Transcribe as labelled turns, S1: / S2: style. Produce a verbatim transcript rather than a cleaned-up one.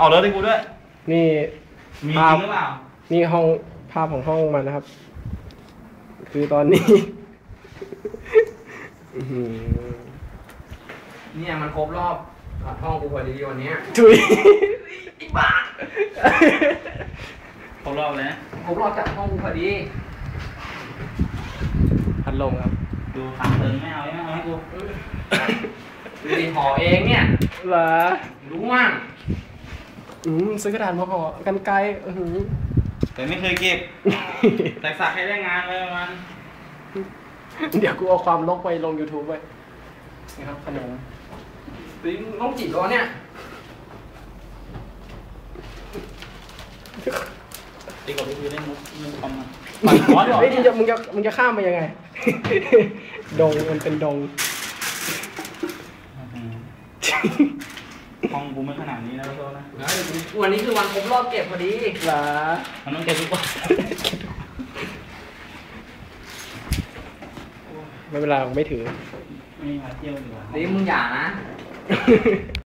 S1: เอารถให้กูด้วย
S2: นี่
S1: มีจริงหรือเปล่า
S2: นี่ห้องภาพของห้องมันนะครับ คือตอนนี้
S3: เนี่ยมันครบรอบห้องกูพอดีวันนี้
S2: ถุย
S3: อีบ้า
S1: ครบรอบเลยนะ
S3: ครบรอบจากห้องกูพอดี
S2: พัดลมครับ
S1: ดูสามเติมไม่เอาไม่เอาให้กู
S3: ดูดิห่อเองเนี่ย
S2: เหรอ
S3: รู้มั่ง
S2: อืมซื้อกระดาษมาห่อกันไกลอือ
S1: แต่ไม่เคยเก็บแต่สักให้ได้งานเลยมัน
S2: เดี๋ยวกูเอาความลกไปลง YouTube ไว้นะครับขนม
S3: ปิ้งน้องจิ๋วเนี่ย
S1: ตีกับพี่คือเล่นมุกเล่นคอมมัน
S2: ปั่นคอร์สเฮ้ยมึงจะมึงจะมึงจะข้ามไปยังไงดงมันเป็นดง
S1: ห้องกูไม่ขนาดนี้นะโทษนะ
S3: วันนี้คือวันครบรอบเก็บพอดี
S2: เหรอ
S1: มันต้องเก็บทุกวัน
S2: ไม่เป็นไรผมไม่ถือ
S1: ไม่มาเที่ยวดีกว่า
S3: นี่มึงอย่านะ